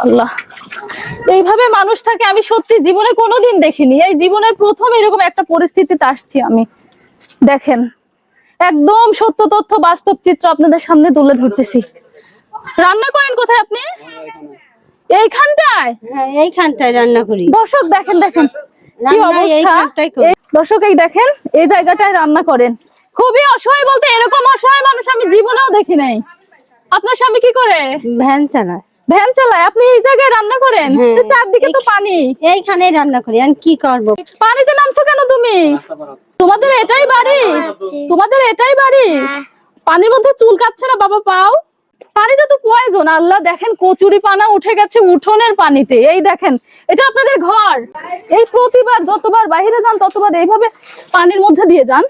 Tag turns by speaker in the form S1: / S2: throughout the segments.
S1: আল্লাহ, এইভাবে মানুষ থাকে আমি সত্যি জীবনে কোনোদিন দেখিনি। এই জীবনের প্রথম এরকম একটা পরিস্থিতিতে আসছি আমি। দেখেন, একদম সত্য তথ্য বাস্তব চিত্র আপনাদের সামনে তুলে ধরতেছি। রান্না করেন কোথায় আপনি? এইখানটায়?
S2: হ্যাঁ, এইখানটায় রান্না করি।
S1: দর্শক দেখেন দেখেন কি অবস্থা। দর্শক এই দেখেন, এই জায়গাটায় রান্না করেন। খুবই অসহায়, বলতে এরকম অসহায় মানুষ আমি জীবনেও দেখি নাই। আপনার স্বামী কি করে?
S2: ভ্যান চালায়।
S1: ভ্যান চালায়, আপনি এই জায়গায় রান্না করেন? চারদিকে তো পানি।
S2: এইখানে রান্না করি, আমি কি করব?
S1: পানিতে নামছো কেন তুমি? তোমাদের এটাই বাড়ি? তোমাদের এটাই বাড়ি? পানির মধ্যে চুল কাচ্ছে না বাবা পাও? পানিতে তো পয়জন। আল্লাহ, দেখেন কচুরি পানা উঠে গেছে উঠোনের পানিতে। এই দেখেন, এটা আপনাদের ঘর। এই প্রতিবার যতবার বাইরে যান ততবার এইভাবে পানির মধ্যে দিয়ে যান।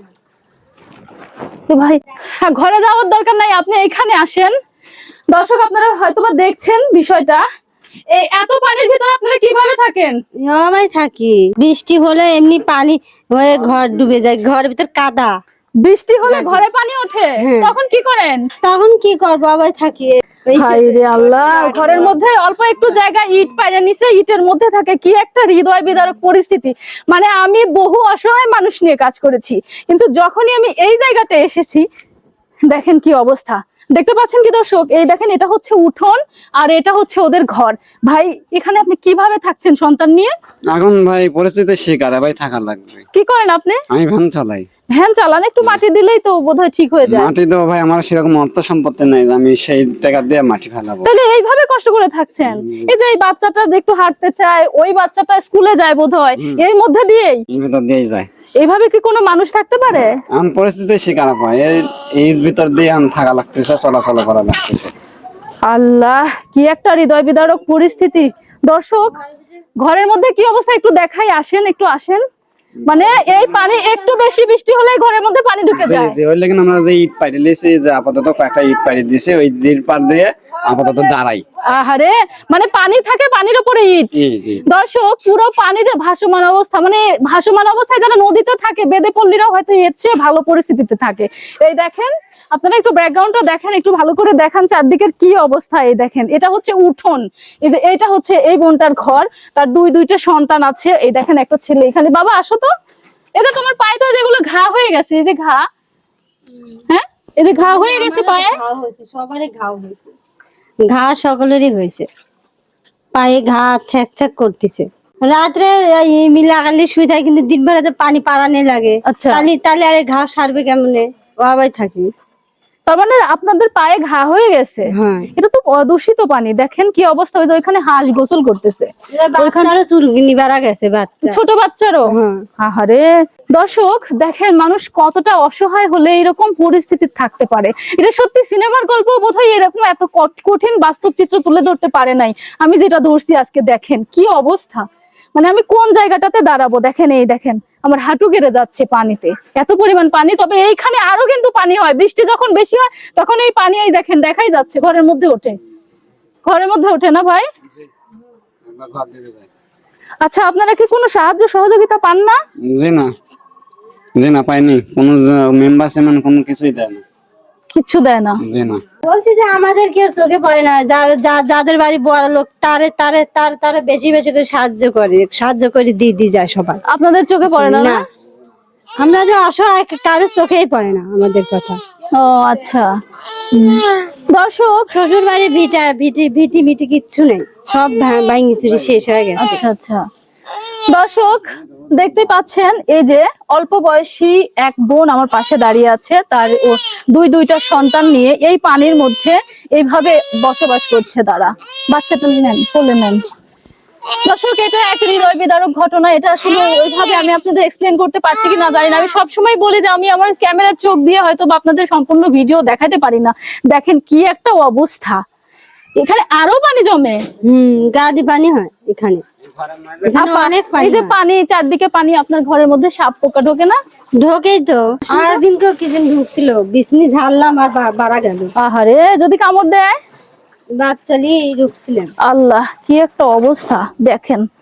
S1: ভাই ঘরে যাওয়ার দরকার নাই, আপনি এখানে আসেন। দর্শক আপনারা হয়তোবা দেখছেন বিষয়টা। এই এত পানির ভিতরে আপনারা কিভাবে থাকেন?
S2: সবাই থাকি। বৃষ্টি হলে এমনি পানি হয়ে ঘর ডুবে যায়, ঘরের ভিতর কাদা।
S1: বৃষ্টি হলে ঘরে পানি ওঠে, তখন কি করেন?
S2: তখন কি করবো, আবার থাকি।
S1: হায়রে আল্লাহ, ঘরের মধ্যে অল্প একটু জায়গা ইট পাইরে নিচে ইটের মধ্যে থাকে। কি একটা হৃদয় বিদারক পরিস্থিতি। মানে আমি বহু অসহায় মানুষ নিয়ে কাজ করেছি, কিন্তু যখনই আমি এই জায়গাটা এসেছি, দেখেন কি অবস্থা। দেখতে পাচ্ছেন কি দর্শক? এই দেখেন, এটা হচ্ছে উঠোন আর এটা হচ্ছে ওদের ঘর। ভাই এখানে আপনি কিভাবে থাকছেন সন্তান নিয়ে?
S3: এখন ভাই পরিস্থিতির শিকার, ভাই থাকা লাগবে।
S1: কি করেন আপনি?
S3: আমি ভ্যান চালাই।
S1: ভ্যান চালান, একটু মাটি দিলেই তো বোধহয় ঠিক হয়ে যায়।
S3: মাটি তো ভাই আমার সেরকম অর্থ সম্পত্তি নাই যে আমি সেই টাকা দিয়ে মাটি ফেলাবো।
S1: তাহলে এইভাবে কষ্ট করে থাকছেন? এই যে এই বাচ্চাটা একটু হাঁটতে চায়, ওই বাচ্চাটা স্কুলে যায় বোধহয়, এর মধ্যে দিয়েই
S3: ভিতর দিয়েই যায়।
S1: এইভাবে কি কোনো মানুষ থাকতে পারে?
S3: এখন পরিস্থিতির শিকার পাই, এর ভিতর দিয়ে আমি থাকা লাগতেছে, চলাচল করা লাগতেছে।
S1: আল্লাহ, কি একটা হৃদয় বিদারক পরিস্থিতি। দর্শক ঘরের মধ্যে কি অবস্থা একটু দেখাই, আসেন একটু আসেন। মানে এই পানি একটু বেশি বৃষ্টি হলে ঘরের মধ্যে পানি ঢুকে যায়।
S3: জি, ওই লেগে আমরা যে ইট পাইরে লিয়েছি, যে আপাতত কয়েকটা ইট পাইরে দিয়েছে, ওই দির পার দিয়ে আপাতত দাঁড়াই।
S1: আহারে, মানে পানি থাকে, পানির উপরে ইট। দর্শক পুরো পানিতে ভাসমান অবস্থা, মানে ভাসমান অবস্থায় যারা নদীতে থাকে বেদে পল্লীরা হয়তো এর চেয়ে ভালো পরিস্থিতিতে থাকে। এই দেখেন, আপনারা একটু ব্যাকগ্রাউন্ডটা দেখেন, একটু ভালো করে দেখান চারদিকের কি অবস্থা। এই দেখেন, এটা হচ্ছে উঠোন। এই যে এটা হচ্ছে এই বোনটার ঘর, তার দুইটা সন্তান আছে। এই দেখেন একটা ছেলে এখানে। বাবা আসো তো, এটা তোমার পায়ে তো যেগুলো ঘা হয়ে গেছে, এই যে ঘা, হ্যাঁ এই যে ঘা হয়ে গেছে পায়ে।
S2: সবারই ঘা হয়েছে, ঘা সকলেরই হয়েছে। পায়ে ঘা থ্যাক থ্যাক করতেছে। রাত্রে লাগালে শুয়ে থাকে, কিন্তু দিন বেলাতে পানি পারানে লাগে।
S1: আচ্ছা,
S2: তাহলে আরে ঘা সারবে কেমনে? বাবাই থাকি।
S1: তার মানে আপনাদের পায়ে ঘা হয়ে গেছে।
S2: হ্যাঁ,
S1: এটা তো অদূষিত পানি। দেখেন কি অবস্থা। ওই যে ওইখানে হাঁস গোসল করতেছে,
S2: ওইখানে চুলগিনি বেড়া গেছে বাচ্চা,
S1: ছোট বাচ্চারও। আহারে দর্শক দেখেন, মানুষ কতটা অসহায় হলে এরকম পরিস্থিতি থাকতে পারে। এটা সত্যি সিনেমার গল্প বোধহয় এরকম এত কঠিন বাস্তব চিত্র তুলে ধরতে পারে নাই আমি যেটা ধরছি আজকে। দেখেন কি অবস্থা, মানে আমি কোন জায়গাটাতে দাঁড়াবো। দেখেন, এই দেখেন আমার হাঁটু গেড়ে যাচ্ছে পানিতে, এত পরিমাণ পানি। তবে এইখানে আরো কিন্তু পানি হয়, বৃষ্টি যখন বেশি হয় তখন এই পানি এই দেখেন দেখাই যাচ্ছে ঘরের মধ্যে ওঠে। ঘরের মধ্যে ওঠে না ভাই? আচ্ছা, আপনারা কি কোনো সাহায্য সহযোগিতা পান না?
S3: জি না, পাইনি। কোনো মেম্বার সেমন কোনো কিছুই দেয় না,
S1: কিছু দেয় না।
S3: জি না।
S2: বলছি যে আমাদের কেউ চোখে পড়ে না, যাদের বাড়ি বড় লোক তারে তারে তার তারে বেশি বেশি করে সাহায্য করে দিয়ে যায় সবাই।
S1: আপনাদের চোখে পড়ে না?
S2: না, আমরা যে অসহায় কারোর চোখেই পড়ে না আমাদের কথা।
S1: ও আচ্ছা। দর্শক
S2: শ্বশুর বাড়ি ভিটি মিটি কিচ্ছু নেই, সব ভাঙি চুরি শেষ হয়ে গেছে।
S1: আচ্ছা আচ্ছা। দর্শক দেখতে পাচ্ছেন, এই যে অল্প বয়সী এক বোন আমার পাশে দাঁড়িয়ে আছে, তার দুইটা সন্তান নিয়ে এই পানির মধ্যে এইভাবে বসবাস করছে তারা। বাচ্চাটা নেন, কোলে নেন। দর্শক এটা এক হৃদয় বিদারক ঘটনা। এটা আসলে ওইভাবে আমি আপনাদের এক্সপ্লেন করতে পারছি কিনা জানি না। আমি সবসময় বলি যে আমি আমার ক্যামেরার চোখ দিয়ে হয়তো আপনাদের সম্পূর্ণ ভিডিও দেখাতে পারি না। দেখেন কি একটা অবস্থা, এখানে আরো পানি জমে।
S2: গাদি পানি হয় এখানে, অনেক
S1: এই যে পানি, চারদিকে পানি। আপনার ঘরের মধ্যে সাপ পোকা ঢোকে না?
S2: ঢোকেই তো। আর দিনকেও কি যেন ঢুকছিল, বিছনি ঝাড়লাম আর বাড়া গেল।
S1: আহারে, যদি কামড় দেয়?
S2: বাচ্চালি ঢুকছিলেন।
S1: আল্লাহ, কি একটা অবস্থা দেখেন।